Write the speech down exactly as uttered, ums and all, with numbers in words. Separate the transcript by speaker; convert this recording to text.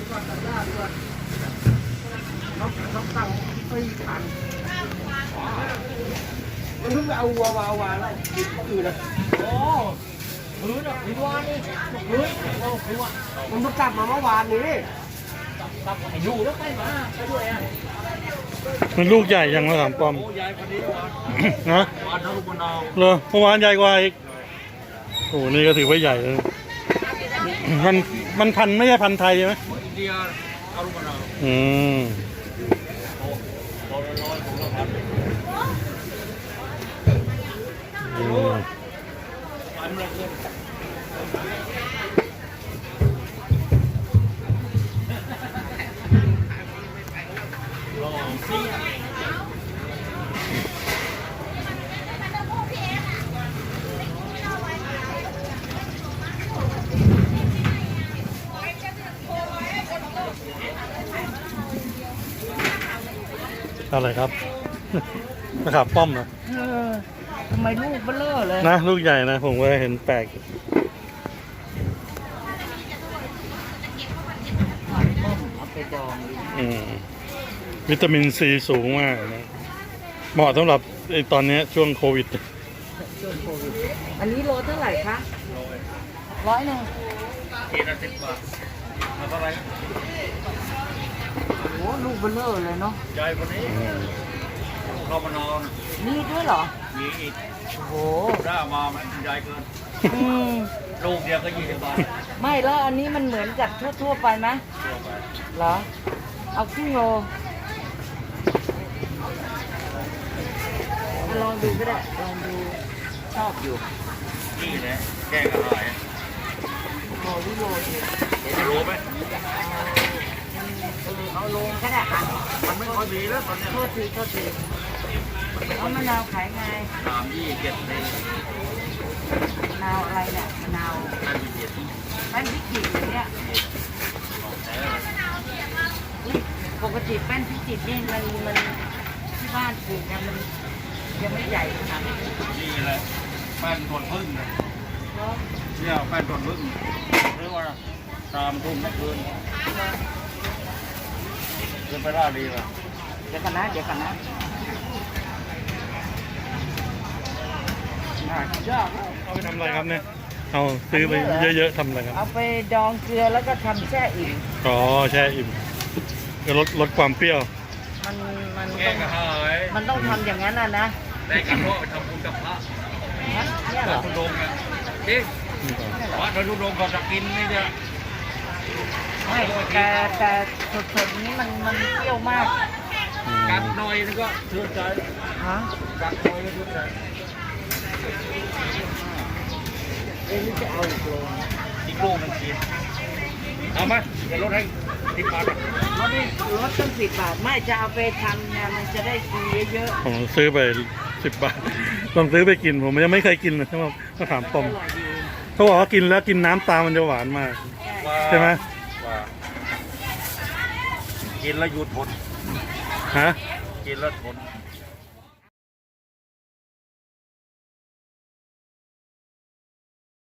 Speaker 1: เขาเขาตั้งไม่ทันมันเพิ่งเอาวัววาวาแล้วติดก็อื่นเลยโอ้พื้นอ่ะพื้นวานนี่พื้นโอ้พื้นวานมันเพิ่งกลับมาเมื่อวานนี้กลับไปอยู่แล้วไปมาไปด้วยอ่ะ
Speaker 2: มันลูกใหญ่ยังมะขามป้อม
Speaker 1: ใหญ่กว่านี้วาน
Speaker 2: นะ
Speaker 1: วานทะลุบนนาว
Speaker 2: เหรอเมื่อวานใหญ่กว่าอีกโอ้นี่ก็ถือว่าใหญ่เลยมันมันพันไม่ใช่พันไทยใช่ไหม
Speaker 1: อินเดียทะลุบนนาว
Speaker 2: อืมอะไรครับมะขามป้อมนะ
Speaker 3: เออทำไมลูกเบลอเลย
Speaker 2: นะลูกใหญ่นะผมก็เห็นแปลก
Speaker 3: เอาไปดอง
Speaker 2: อืมวิตามินซีสูงมากนะเหมาะสำหรับไอ้ตอนนี้ช่วงโควิด
Speaker 3: ช่วงโควิดอันนี้โลเท่าไหร่คะร้อยหนึ่ง
Speaker 1: เจ็ดสิบบาทเอาเท่าไหร่
Speaker 3: โอ้ลูกเบลอเลยเนาะ
Speaker 1: ใหญ่กว่านี้เข้ามานอน
Speaker 3: นี่ด้วยเหรอ
Speaker 1: มีอีก
Speaker 3: โอ้
Speaker 1: ได้มามันใหญ่เกินลูกเดียวก็ยี่สิบบาท
Speaker 3: ไม่แล้วอันนี้มันเหมือนกับทั่วๆไปไหมเหรอเอาครึ่งโลลองดูก็ได้ลองดูชอบอยู่
Speaker 1: นี่แหละแกงกระหาย
Speaker 3: โลวิโลดิ
Speaker 1: เดี๋ยวจะรู้ไหม
Speaker 3: เอาลงก็ได้ค่ะ
Speaker 1: มันไม่พอดีแล้วตอนนี้
Speaker 3: โทษทีโทษทีเอามะนาวขายไง
Speaker 1: สามยี่เจ็ดเลย
Speaker 3: มะนาวอะไรเนี่ยมะนาว
Speaker 1: แป้นพิจิตร
Speaker 3: แป้นพิจิตรอย่างเนี้ยปกติแป้นพิจิตรนี่มันมันที่บ้านปลูกเนี่ยมันยังไม่ใหญ่ขนาดนี้
Speaker 1: นี่แหละแป้นส่วนพึ่งนะเนี่ยแป้นส่วนพึ่งหรือว่าตามทุ่มเมื่อคืนเดินไปล่าดีป่ะ
Speaker 3: เดี๋ยวกันนะเดี๋ยวกันนะ
Speaker 1: น่ายาก
Speaker 2: เอาไปทำอะไรครับเนี่ยเอาซื้อไปเยอะๆทำอะไรครับ
Speaker 3: เอาไปดองเกลือแล้วก็ทำแช่อิ่ม
Speaker 2: อ๋อแช่อิ่มก็ลดลดความเปรี้ยว
Speaker 3: มันมัน
Speaker 1: แกงกระหาย
Speaker 3: มันต้องทำอย่างนั้นนะนะ
Speaker 1: ได้กันเพราะทำบุญกับพระ
Speaker 3: เนี่ยเหรอ
Speaker 1: คุณดงเนี่ยดิวัดพระทุดงเขาจะกินนี่เนี่ย
Speaker 3: ไม่แต่แต่สดๆนี้มันมันเปรี้ยวมาก
Speaker 1: กัดหน่อยนี่ก็เชื่อใจ
Speaker 3: ฮะ
Speaker 1: กัดหน่อยก็เชื่อใจ
Speaker 3: เอ๊ะนี่จะเอาอีกโล
Speaker 1: อีกโลมันกินเอาไหมจะลดให้สิบบาท
Speaker 3: ลดให้ลดตั้งสิบบาทไม่จะเอาไปทำเนี่ยมันจะได้กินเยอะ
Speaker 2: ๆผมซื้อไปสิบบาทลองซื้อไปกินผมยังไม่เคยกินเลยใช่ไหมมะขามป้อมเขาบอกว่ากินแล้วกินน้ำตามันจะหวานมากใช่ไหม
Speaker 1: กินแล้วหยุดทน
Speaker 2: ฮะ
Speaker 1: กินแล้วทน